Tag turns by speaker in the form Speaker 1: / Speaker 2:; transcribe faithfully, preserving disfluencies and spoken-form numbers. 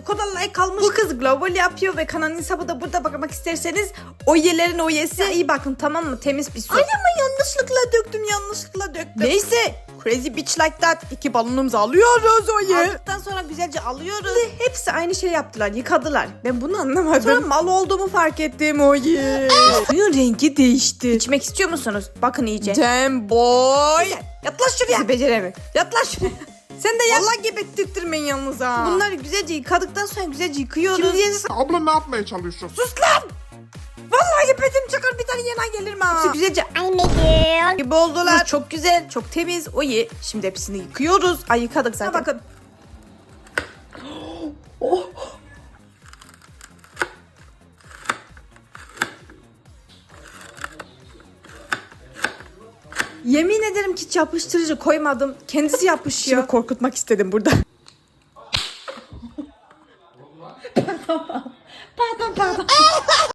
Speaker 1: bu kadar like almış. Bu kız global yapıyor ve kanalın hesabı da burada, bakmak isterseniz Oyelerin oyesi. İyi bakın, tamam mı? Temiz bir su. Ay ama yanlışlıkla döktüm yanlışlıkla döktüm. Neyse. Crazy bitch like that. İki balonumuzu alıyoruz Oye. Aldıktan sonra güzelce alıyoruz. Ve hepsi aynı şey yaptılar. Yıkadılar. Ben bunu anlamadım. Sonra mal olduğumu fark ettim Oye. Suyun rengi değişti. İçmek istiyor musunuz? Bakın iyice. Damn boy. Yaklaş şuraya. Bizi beceremiyor. Yaklaş şuraya. Sen de vallahi gebettirtmeyin yalnız ha. Bunları güzelce yıkadıktan sonra güzelce yıkıyoruz. Şimdi yeni...
Speaker 2: Abla ne yapmaya çalışıyorsun?
Speaker 1: Sus lan! Vallahi gepetim çakar, bir tane yana gelir mi? Hepsi güzelce
Speaker 3: Anneciğim.
Speaker 1: gibi oldular. Çok güzel, çok temiz. Oye, şimdi hepsini yıkıyoruz. Ay yıkadık zaten. Ha, bakın. Oh. Yemin ederim ki hiç yapıştırıcı koymadım. Kendisi yapışıyor. Şimdi korkutmak istedim burada. Pardon pardon.